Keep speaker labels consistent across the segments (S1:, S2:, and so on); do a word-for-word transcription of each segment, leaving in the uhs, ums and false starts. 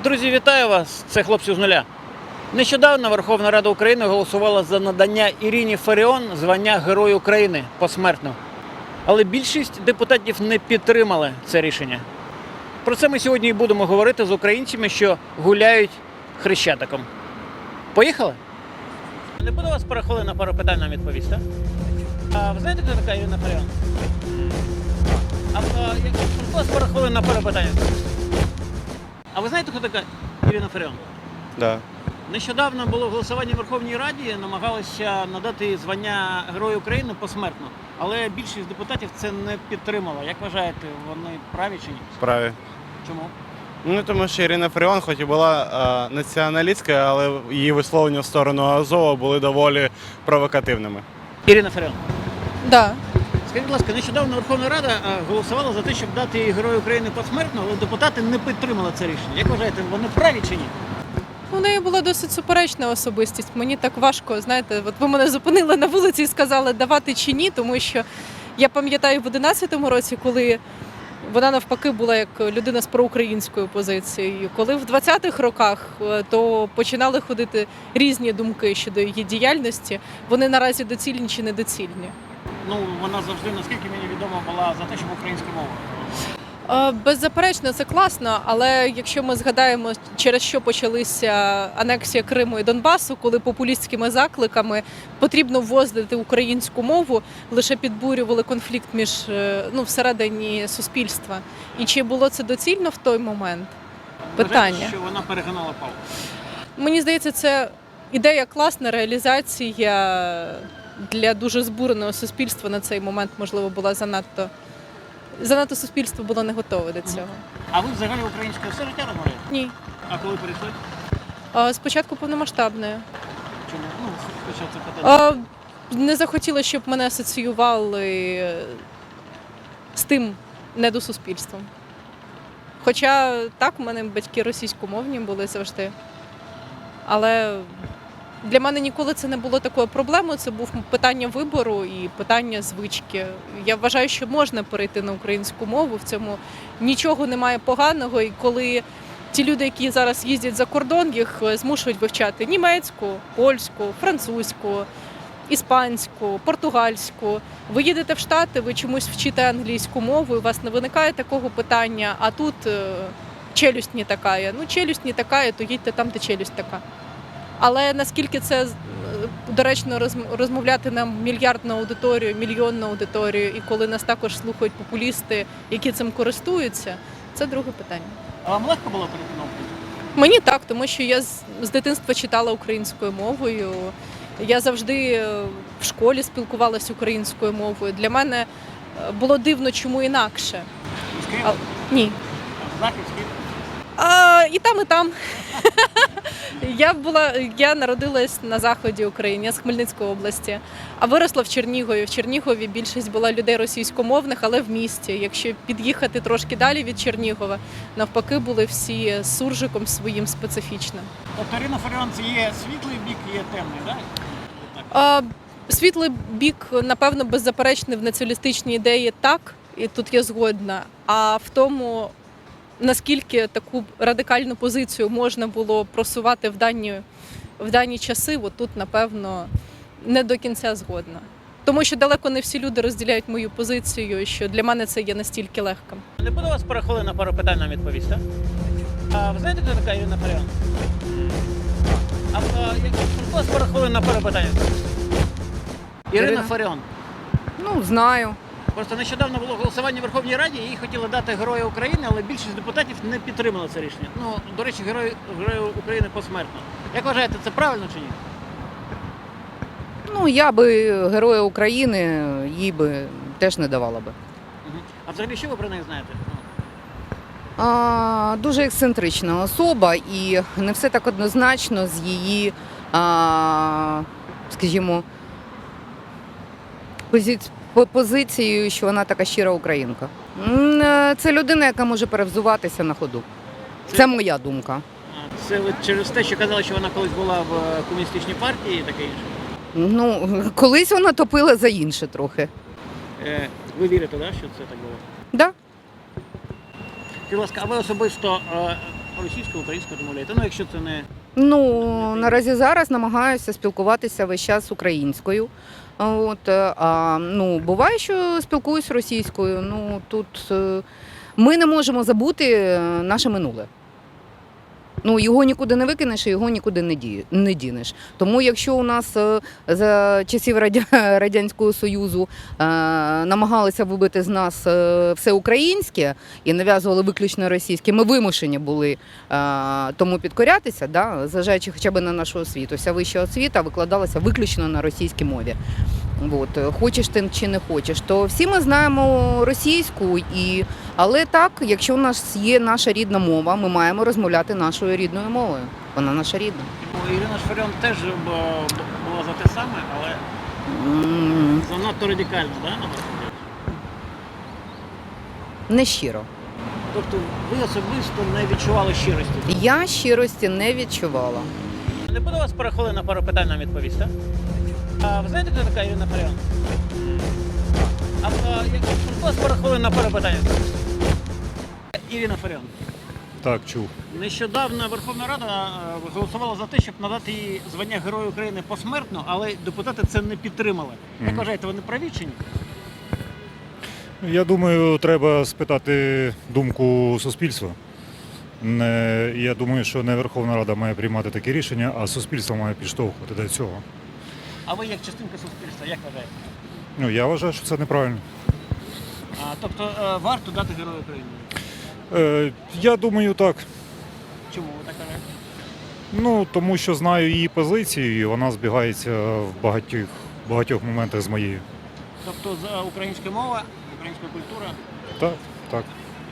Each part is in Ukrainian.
S1: Друзі, вітаю вас! Це хлопці з нуля. Нещодавно Верховна Рада України голосувала за надання Ірині Фаріон звання Герой України посмертно. Але більшість депутатів не підтримали це рішення. Про це ми сьогодні і будемо говорити з українцями, що гуляють Хрещатиком. Поїхали? Не буду вас пару хвилин на пару питань нам відповісти. А ви знаєте, хто така Ірина Фаріон? А, а як вас пару хвилин на пару питань? А ви знаєте, хто така Ірина Фаріон?
S2: Да.
S1: Нещодавно було голосування в Верховній Раді, намагалися надати звання Герою України посмертно. Але більшість депутатів це не підтримала. Як вважаєте, вони праві чи ні?
S2: Праві.
S1: Чому?
S2: Ну, тому що Ірина Фаріон, хоч і була е, націоналістською, але її висловлення в сторону Азова були доволі провокативними.
S1: Ірина Фаріон.
S3: Да.
S1: Скажіть, будь ласка, нещодавно Верховна Рада голосувала за те, щоб дати Герою України посмертно, але депутати не підтримали це рішення. Як вважаєте, вони праві чи ні?
S3: У неї була досить суперечна особистість. Мені так важко, знаєте, от ви мене зупинили на вулиці і сказали, давати чи ні, тому що я пам'ятаю в одинадцятому році, коли вона навпаки була як людина з проукраїнською позицією. Коли в двадцятих роках, то починали ходити різні думки щодо її діяльності. Вони наразі доцільні чи недоцільні?
S1: Ну, вона завжди, наскільки мені відомо, була за те, щоб українська мова.
S3: Е, Беззаперечно, це класно, але якщо ми згадаємо, через що почалися анексія Криму і Донбасу, коли популістськими закликами потрібно ввозити українську мову, лише підбурювали конфлікт між, е, ну, всередині суспільства. І чи було це доцільно в той момент? Питання.
S1: Вважаєте, що вона перегнала палку?
S3: Мені здається, це ідея класна, реалізація для дуже збуреного суспільства на цей момент, можливо, була занадто Занадто суспільство було не готове до цього.
S1: А ви взагалі українською все життя розмовляєте?
S3: Ні.
S1: А коли перейшли?
S3: А, Спочатку повномасштабної.
S1: Чому? Ну, почав це питати.
S3: А, Не захотіла, щоб мене асоціювали з тим недосуспільством. Хоча так, у мене батьки російськомовні були завжди. Але для мене ніколи це не було такою проблемою, це був питання вибору і питання звички. Я вважаю, що можна перейти на українську мову, в цьому нічого немає поганого. І коли ті люди, які зараз їздять за кордон, їх змушують вивчати німецьку, польську, французьку, іспанську, португальську. Ви їдете в Штати, ви чомусь вчите англійську мову, і у вас не виникає такого питання, а тут челюсть не така. Ну, челюсть не така, то їдьте там, де челюсть така. Але наскільки це доречно розмовляти на мільярдну аудиторію, мільйонну аудиторію, і коли нас також слухають популісти, які цим користуються, це друге питання.
S1: А вам легко було перейти на українську?
S3: Мені так, тому що я з, з дитинства читала українською мовою. Я завжди в школі спілкувалася українською мовою. Для мене було дивно, чому інакше.
S1: З Києва?
S3: А, ні.
S1: Захід, Схід?
S3: А, і там, і там. Я була, я народилась на заході України, я з Хмельницької області, а виросла в Чернігові. В Чернігові більшість була людей російськомовних, але в місті. Якщо під'їхати трошки далі від Чернігова, навпаки, були всі з суржиком своїм специфічним.
S1: Тобто Ірина Фаріон – це є світлий бік, є темний, так?
S3: А, світлий бік, напевно, беззаперечний в націоналістичній ідеї так, і тут я згодна, а в тому, наскільки таку радикальну позицію можна було просувати в дані, в дані часи, от тут, напевно, не до кінця згодна. Тому що далеко не всі люди розділяють мою позицію, що для мене це є настільки легко.
S1: Не буду вас пару хвилин на пару питань нам відповісти. А ви знаєте, хто така Ірина Фаріон? А, а як вас пару хвилин на пару питань? Ірина
S4: Ірина?
S1: Фаріон.
S4: Ну, знаю.
S1: Просто нещодавно було голосування в Верховній Раді, їй хотіли дати Героя України, але більшість депутатів не підтримала це рішення. Ну, до речі, Герой, Герой України посмертно. Як вважаєте, це правильно чи ні?
S4: Ну, я би Героя України їй би теж не давала би.
S1: Угу. А взагалі, що ви про неї знаєте?
S4: А, дуже ексцентрична особа і не все так однозначно з її, а, скажімо, позицією. По позицією, що вона така щира українка. М, е, Це людина, яка може перевзуватися на ходу. Це моя думка.
S1: А, Це ви через те, що казали, що вона колись була в е, комуністичній партії і таке інше?
S4: Ну, колись вона топила за інше трохи.
S1: Е, ви вірите, да, що це так було?
S4: Да?
S1: Будь ласка, а ви особисто е, російською, українською розмовляєте? Ну, якщо це не
S4: Ну, наразі зараз намагаюся спілкуватися весь час українською. От, е, а, ну, буває, що спілкуюсь російською. Ну, тут е, ми не можемо забути е, наше минуле. Ну, його нікуди не викинеш і його нікуди не, ді, не дінеш. Тому якщо у нас е, за часів Радя, Радянського Союзу е, намагалися вибити з нас е, все українське і нав'язували виключно російське, ми вимушені були е, тому підкорятися, да, зважаючи хоча б на нашу освіту. Вся вища освіта викладалася виключно на російській мові. От, хочеш ти чи не хочеш, то всі ми знаємо російську, і... але так, якщо у нас є наша рідна мова, ми маємо розмовляти нашою рідною мовою. Вона наша рідна.
S1: Ну, Ірина Шфаріон теж б- б- була за те саме, але
S4: М,
S1: занадто радикально, да, на ваш погляд?
S4: Не щиро.
S1: Тобто ви особисто не відчували щирості?
S4: Я щирості не відчувала.
S1: Не буду вас пару на пару питань нам відповісти. А ви знаєте, хто така Ірина Фаріон? А, а як у вас пару хвилин на пару питань відповісти? Ірина Фаріон.
S5: Так, чув.
S1: Нещодавно Верховна Рада е, голосувала за те, щоб надати їй звання Героя України посмертно, але депутати це не підтримали. Як
S5: Мгм.
S1: вважаєте, вони праві чи ні?
S5: Я думаю, треба спитати думку суспільства. Не, я думаю, що не Верховна Рада має приймати такі рішення, а суспільство має підштовхувати до цього.
S1: А ви як частинка суспільства, як вважаєте?
S5: Ну, я вважаю, що це неправильно.
S1: А, тобто е, варто дати Герою України?
S5: Е, я думаю, так.
S1: Чому ви так вважаєте?
S5: Ну, тому що знаю її позицію, і вона збігається в багатьох, багатьох моментах з моєю.
S1: Тобто за українська мова, українська культура.
S5: Так, так.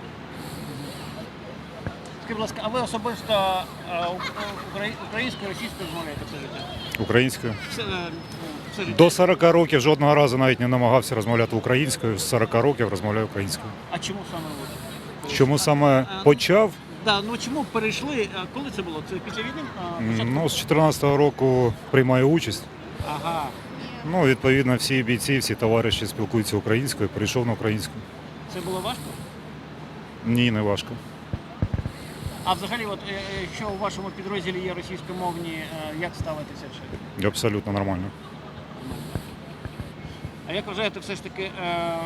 S1: Скажіть, будь ласка, а ви особисто е, у- украї- українською, російською розмовляєте все життя?
S5: Українською.
S1: Все, е, ну, все життя.
S5: До сорока років жодного разу навіть не намагався розмовляти українською. З сорока років розмовляю українською.
S1: А чому саме ви?
S5: Чому саме
S1: А,
S5: почав?
S1: Да, ну чому перейшли? а Коли це було? Це після війни? А,
S5: М,
S1: початку?
S5: Ну, з дві тисячі чотирнадцятого року приймаю участь.
S1: Ага.
S5: Ну, відповідно, всі бійці, всі товариші спілкуються українською, перейшов на українську.
S1: Це було важко?
S5: Ні, не важко.
S1: А взагалі, от е, е, якщо у вашому підрозділі є російськомовні, е, як ставитися ще?
S5: Абсолютно нормально.
S1: А як вважаєте, все ж таки, е,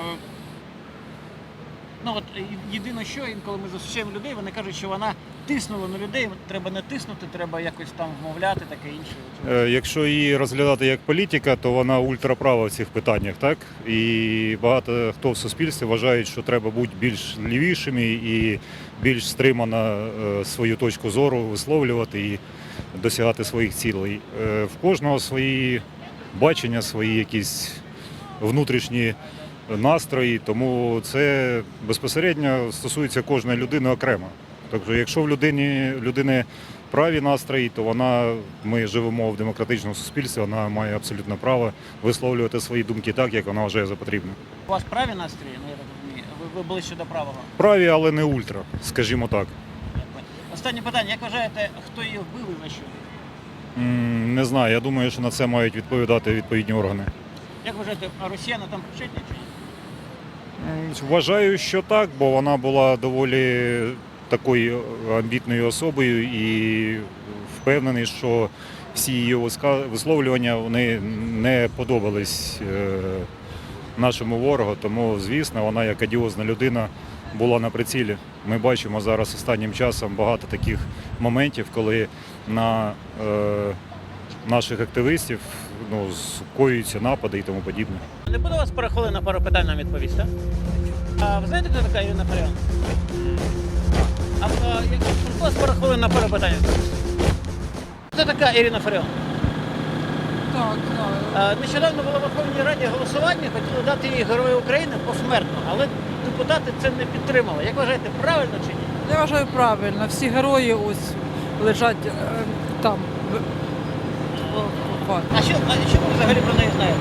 S1: ну от е, єдине, що інколи ми зустрічаємо людей, вони кажуть, що вона тиснула на людей, треба не тиснути, треба якось там вмовляти, таке інше.
S5: Е, Якщо її розглядати як політика, то вона ультраправа в цих питаннях, так? І багато хто в суспільстві вважає, що треба бути більш лівішими і більш стримано е, свою точку зору висловлювати і досягати своїх цілей. Е, В кожного свої бачення, свої якісь внутрішні настрої, тому це безпосередньо стосується кожної людини окремо. Тобто, якщо в людині людини праві настрої, то вона, ми живемо в демократичному суспільстві, вона має абсолютно право висловлювати свої думки так, як вона вважає за потрібне.
S1: У вас праві настрої, ну я так розумію, ви, ви ближче до правого.
S5: Праві, але не ультра, скажімо так.
S1: Останнє питання, як вважаєте, хто її вбив і за що?
S5: М, Не знаю, я думаю, що на це мають відповідати відповідні органи.
S1: Як вважаєте, а росіяни там причетні чи ні?
S5: М, Вважаю, що так, бо вона була доволі такою амбітною особою і впевнений, що всі її виска- висловлювання вони не подобались е, нашому ворогу. Тому, звісно, вона як одіозна людина була на прицілі. Ми бачимо зараз останнім часом багато таких моментів, коли на е, наших активістів ну, скоюються напади і тому подібне.
S1: Не буду вас пару хвилин на пару питань нам відповісти. А ви знаєте, хто така Ірина Фаріон? А, а як у вас пару хвилин на пару питань відповісти? Хто така Ірина Фаріон?
S6: Так, знаю.
S1: А, нещодавно було в Верховній Раді голосування, хотіли дати їй Герою України посмертно, але депутати це не підтримали. Як вважаєте, правильно чи ні?
S6: Я вважаю правильно. Всі герої ось лежать е, там. в- в- в-
S1: А що, а що ви взагалі про неї знаєте?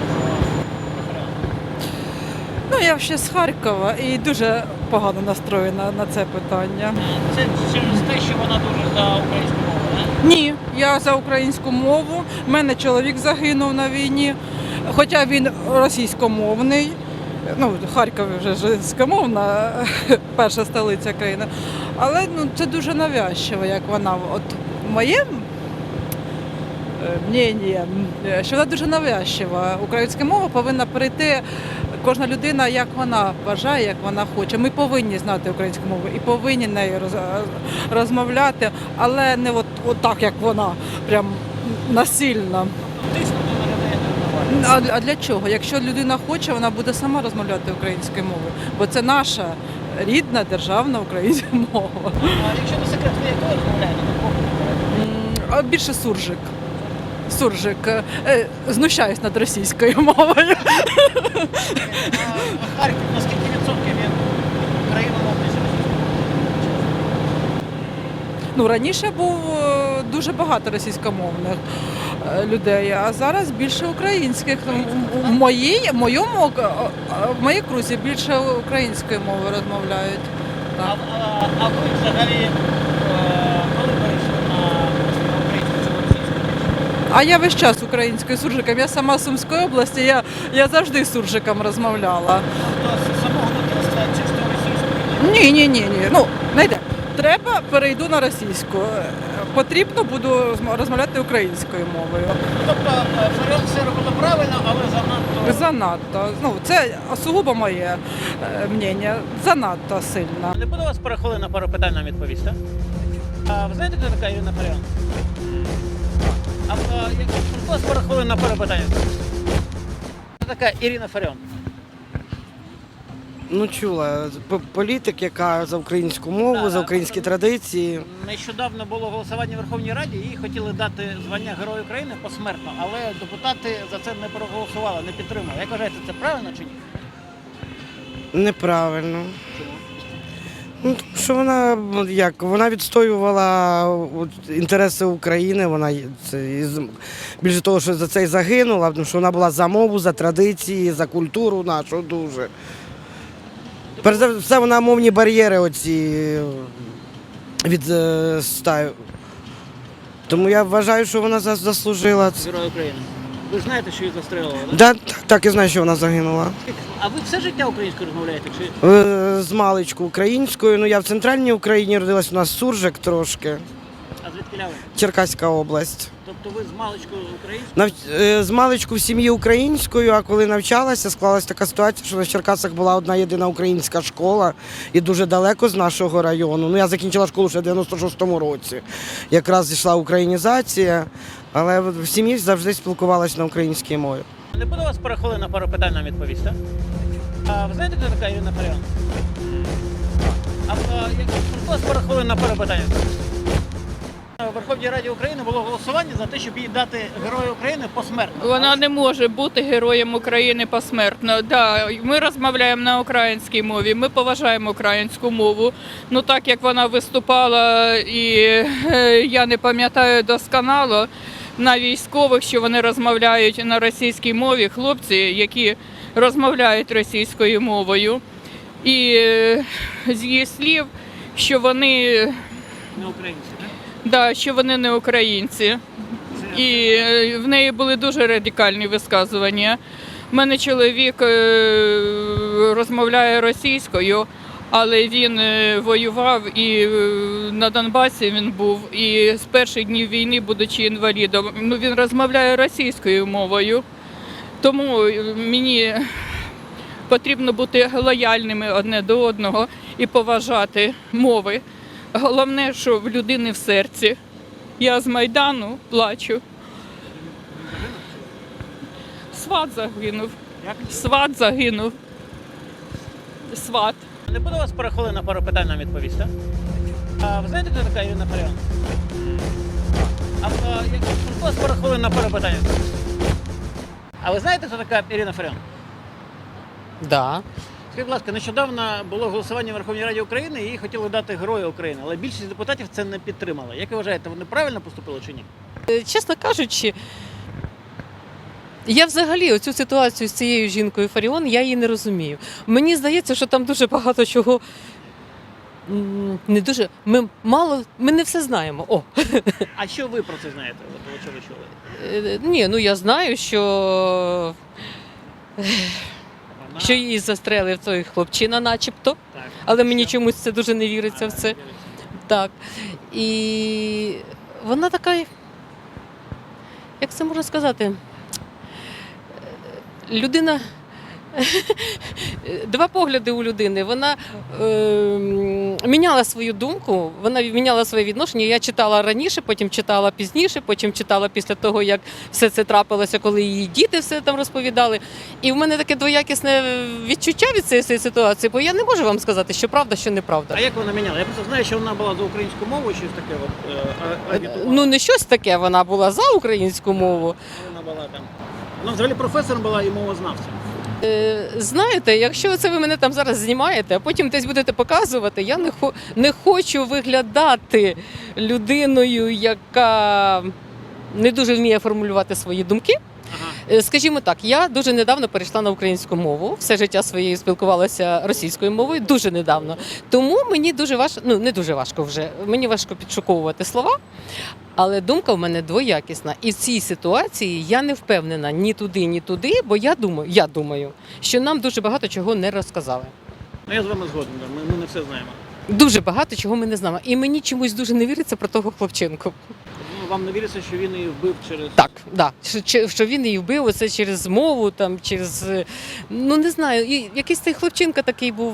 S6: Ну, я ще з Харкова і дуже погано настроєна на це питання.
S1: Це через те, що вона дуже за українську мову, не?
S6: Ні, я за українську мову. У мене чоловік загинув на війні, хоча він російськомовний. Ну, Харків вже ж російськомовна, перша столиця країни. Але ну, це дуже навязчиво, як вона. От моє е, мнення, е, що вона дуже навязчива. Українська мова повинна перейти кожна людина, як вона бажає, як вона хоче. Ми повинні знати українську мову і повинні нею роз- розмовляти, але не от, от так, як вона, прям насильно.
S1: Тиснути на людей не впливає.
S6: А, а для чого? Якщо людина хоче, вона буде сама розмовляти українською мовою, бо це наша рідна державна українська мова.
S1: А якщо не секрет, ви якою розмовляєте? На кого?
S6: М, А більше суржик. Суржик. Е, Знущаюсь над російською мовою.
S1: А Харків на скільки відсотків є україномовний серед?
S6: Ну, раніше був е, дуже багато російськомовних е, людей, а зараз більше українських. В моїй, в моєму е, е, в моїй крузі більше українською мовою розмовляють.
S1: А,
S6: Так.
S1: а, а ви взагалі е, коли перейшли на українську чи на російську?
S6: А я весь час українською суржиком. Я сама з Сумської області, я, я завжди з суржиком розмовляла.
S1: Тобто з самого дитинства чисто російською?
S6: Ні, ні, ні, ні. Ну, не йде. Треба, перейду на російську. Е, Потрібно буду розм- розмовляти українською мовою.
S1: Тобто е, Фаріон все робила правильно, але занадто...
S6: Занадто. Ну, це сугубо моє е, мнення. Занадто сильно.
S1: Не буду вас перехвилити на пару питань нам відповісти. А ви знаєте, хто така Ірина Фаріон? А, а якщо вас перехвилити на пару питань відповісти. Хто така Ірина Фаріон?
S7: Ну, чула. П- Політик, яка за українську мову,
S1: Да,
S7: за українські традиції.
S1: Нещодавно було голосування в Верховній Раді, їй хотіли дати звання Герою України посмертно, але депутати за це не проголосували, не підтримали. Як вважаєте, це правильно чи ні?
S7: Неправильно.
S1: Чому?
S7: Ну, тому що вона ну, як вона відстоювала от, інтереси України. Вона є- це із- більше того, що за це й загинула, тому що вона була за мову, за традиції, за культуру нашу дуже. Перш за все, вона мовні бар'єри оці відстаю. Тому я вважаю, що вона зас- заслужила це.
S1: Герой України. Ви ж знаєте, що її застрелили, так?
S7: Да, так, так, я знаю, що вона загинула.
S1: А ви все життя українською розмовляєте? Чи
S7: Е, З маличку українською. Ну я в центральній Україні родилась, у нас суржик трошки,
S1: а звідки ви?
S7: Черкаська область.
S1: Тобто ви з маличкою українською?
S7: Нав... е, З маличку в сім'ї українською, а коли навчалася, склалась така ситуація, що на Черкасах була одна єдина українська школа і дуже далеко з нашого району. Ну я закінчила школу ще в дев'яносто шостому році. Якраз йшла українізація, але в сім'ї завжди спілкувалася на українській мові.
S1: Не буду вас перехвилити на пару питань нам відповісти. А ви знаєте, хто така Ірина Фаріон? А, а якщо вас перехвилити на пару питань відповісти. У Верховній Раді України було голосування за те, щоб їй дати Герою України посмертно.
S8: Вона не може бути героєм України посмертно. Да, ми розмовляємо на українській мові, ми поважаємо українську мову. Ну так як вона виступала, і е, я не пам'ятаю досконало на військових, що вони розмовляють на російській мові, хлопці, які розмовляють російською мовою. І е, з її слів, що вони,
S1: Не українці, так?
S8: да, що вони не українці. І е, в неї були дуже радикальні висказування. У мене чоловік е, розмовляє російською, але він е, воював і е, на Донбасі він був. І з перших днів війни, будучи інвалідом, ну, він розмовляє російською мовою. Тому е, мені потрібно бути лояльними одне до одного і поважати мови. Головне, що в людини в серці. Я з Майдану плачу. Сват загинув.
S1: Як?
S8: Сват загинув. Сват.
S1: Не буду вас перехвилити на пару питань нам відповісти. А ви знаєте, хто така Ірина Фаріон? А, а якщо вас перехвилити на пару питань відповісти. А ви знаєте, хто така Ірина Фаріон?
S9: Да.
S1: Скажіть, будь ласка, нещодавно було голосування в Верховній Раді України, і їй хотіли дати Героя України, але більшість депутатів це не підтримала. Як ви вважаєте, вони правильно поступили чи ні?
S9: Е, Чесно кажучи, я взагалі оцю ситуацію з цією жінкою Фаріон, я її не розумію. Мені здається, що там дуже багато чого м, не дуже. Ми мало, ми не все знаємо. О,
S1: А що ви про це знаєте? От, що ви чули?
S9: е, ні, ну я знаю, що,
S1: Вона-
S9: що її застрелив той хлопчина, начебто,
S1: Так.
S9: але мені чомусь це дуже не віриться в це. Так. І вона така, як це можна сказати, людина. Два погляди у людини. Вона е, міняла свою думку, вона міняла своє відношення. Я читала раніше, потім читала пізніше, потім читала після того, як все це трапилося, коли її діти все там розповідали. І в мене таке двоякісне відчуття від цієї ситуації, бо я не можу вам сказати, що правда, що неправда.
S1: А як вона міняла? Я просто знаю, що вона була за українську мову, щось таке от, е, а- агітувала.
S9: Ну не щось таке, вона була за українську мову.
S1: Вона була там. Вона взагалі професором була і мовознавцем.
S9: Е, Знаєте, якщо це ви мене там зараз знімаєте, а потім десь будете показувати, я не, хо, не хочу виглядати людиною, яка не дуже вміє формулювати свої думки.
S1: Ага.
S9: Е, Скажімо так, я дуже недавно перейшла на українську мову, все життя своє спілкувалася російською мовою, дуже недавно. Тому мені дуже важко, ну не дуже важко вже, мені важко підшуковувати слова, але думка в мене двоякісна. І в цій ситуації я не впевнена ні туди, ні туди, бо я думаю, я думаю, що нам дуже багато чого не розказали.
S1: Ну я з вами згоден, да. ми, ми не все знаємо.
S9: Дуже багато чого ми не знаємо. І мені чомусь дуже не віриться про того хлопчинку.
S1: Ну, вам не віриться, що він її вбив через.
S9: Так, да. Що, що він її вбив, оце через мову, там, через. е, Ну не знаю, і якийсь цей хлопчинка такий був.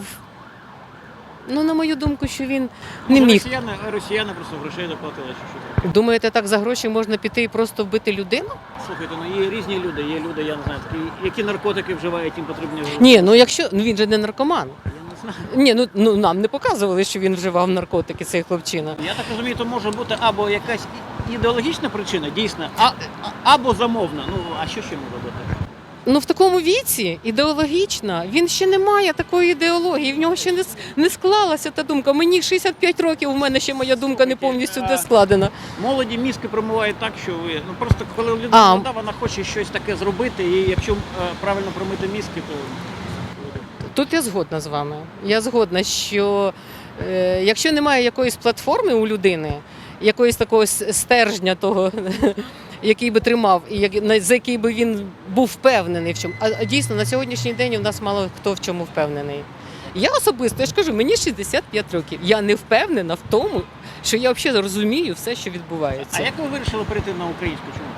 S9: Ну, на мою думку, що він не
S1: Може,
S9: міг.
S1: Росіяни, росіяни просто грошей доплатили, чи що таке.
S9: Думаєте, так за гроші можна піти і просто вбити людину?
S1: Слухайте, ну є різні люди, є люди, я не знаю, такі, які наркотики вживають, їм потрібні гроші.
S9: Ні, ну якщо ну він же не наркоман.
S1: Я не знаю.
S9: Ні, ну, ну нам не показували, що він вживав наркотики, цей хлопчина.
S1: Я так розумію, то може бути або якась і- ідеологічна причина, дійсно, а, а- або замовна. Ну, а що ще може бути?
S9: Ну в такому віці ідеологічна, він ще не має такої ідеології, в нього ще не, с- не склалася та думка. Мені шістдесят п'ять років, у мене ще моя думка не повністю де складена.
S1: Молоді мізки промивають так, що ви. Ну просто коли людина
S9: А.
S1: молода, вона хоче щось таке зробити, і якщо е, правильно промити мізки, то.
S9: Тут я згодна з вами. Я згодна, що е, якщо немає якоїсь платформи у людини, якоїсь такого с- стержня того, який би тримав, і як- на- за який би він був впевнений в чому. А, а дійсно, на сьогоднішній день у нас мало хто в чому впевнений. Я особисто, я ж кажу, мені шістдесят п'ять років. Я не впевнена в тому, що я взагалі розумію все, що відбувається.
S1: А як ви вирішили перейти на українську? Чому?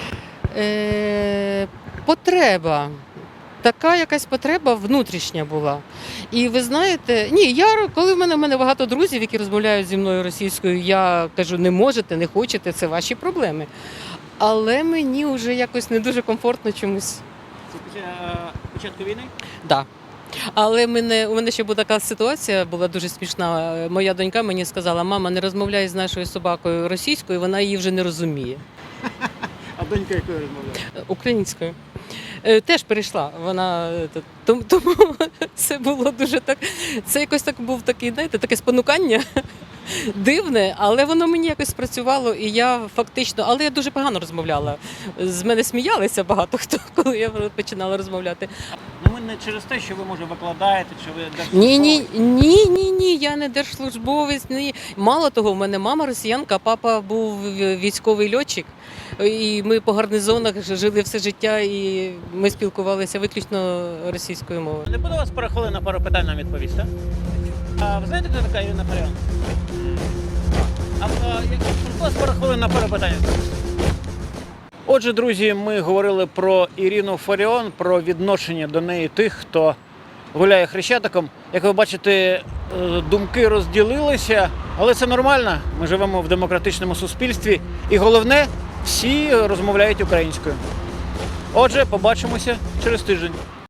S9: Е, потреба. Така якась потреба внутрішня була. І ви знаєте, ні, я коли в мене в мене багато друзів, які розмовляють зі мною російською, я кажу, не можете, не хочете, це ваші проблеми. Але мені вже якось не дуже комфортно чомусь.
S1: Це після е, початку війни?
S9: Да. Але мене, у мене ще була така ситуація, була дуже смішна. Моя донька мені сказала, мама, не розмовляй з нашою собакою російською, вона її вже не розуміє.
S1: А донька якою розмовляє?
S9: Українською. Е, Теж перейшла. Вона е, т- тому, тому це було дуже так. Це якось так був такий, знаєте, таке спонукання дивне, але воно мені якось спрацювало, і я фактично, але я дуже погано розмовляла. З мене сміялися багато хто, коли я починала розмовляти.
S1: Ну ми не через те, що ви може викладаєте, чи ви
S9: Ні, ні,
S1: держслужбовець.
S9: ні, ні, ні, я не держслужбовець. Ні. Мало того, в мене мама росіянка, а папа був військовий льотчик. І ми по гарнизонах жили все життя, і ми спілкувалися виключно російською мовою.
S1: Не буду вас перехвилити на пару питань нам відповісти. А ви знаєте, хто така Ірина Фаріон? А, а як вас пару хвилин на пару питань відповісти? Отже, друзі, ми говорили про Ірину Фаріон, про відношення до неї тих, хто гуляє хрещатиком. Як ви бачите, е, думки розділилися, але це нормально. Ми живемо в демократичному суспільстві. І головне, всі розмовляють українською. Отже, побачимося через тиждень.